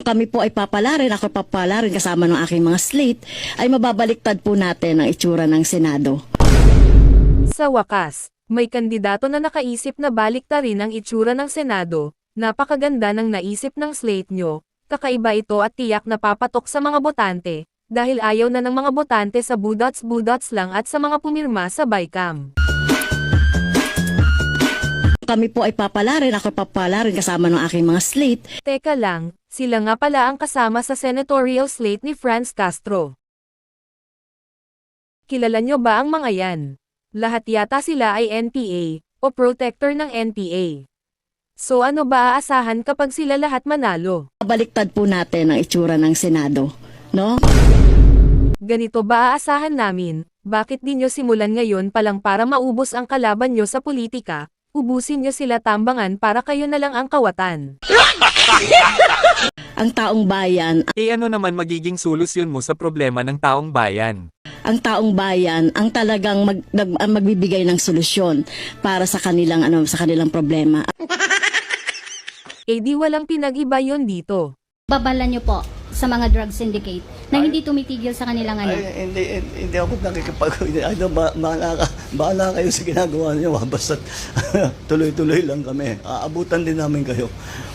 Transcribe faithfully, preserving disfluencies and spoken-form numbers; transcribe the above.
kami po ay papalarin, ako papalarin kasama ng aking mga slate, ay mababaliktad po natin ang itsura ng Senado. Sa wakas, may kandidato na nakaisip na baliktarin ang itsura ng Senado. Napakaganda ng naisip ng slate nyo, kakaiba ito at tiyak na papatok sa mga botante, dahil ayaw na ng mga botante sa budots-budots lang at sa mga pumirma sa BICAM. Kami po ay papalarin, ako papalarin kasama ng aking mga slate. Teka lang, sila nga pala ang kasama sa senatorial slate ni Franz Castro. Kilala nyo ba ang mga yan? Lahat yata sila ay N P A, o protector ng N P A. So ano ba aasahan kapag sila lahat manalo? Baliktad po natin ang itsura ng Senado, no? Ganito ba aasahan namin? Bakit di nyo simulan ngayon palang para maubos ang kalaban nyo sa politika? Ubusin nyo sila tambangan para kayo na lang ang kawatan. Ang taong bayan, E ano naman magiging solusyon mo sa problema ng taong bayan? ang taong bayan ang talagang mag, nag, ang magbibigay ng solusyon para sa kanilang ano sa kanilang problema. Eh di walang pinag-iba yun dito. Babala nyo po sa mga drug syndicate na hindi tumitigil sa kanilang ano. Ay, hindi, hindi, hindi ako nakikipag... Ano, ba, bahala, ka, bahala kayo sa ginagawa niyo. Basta tuloy-tuloy lang kami. Aabutan din namin kayo.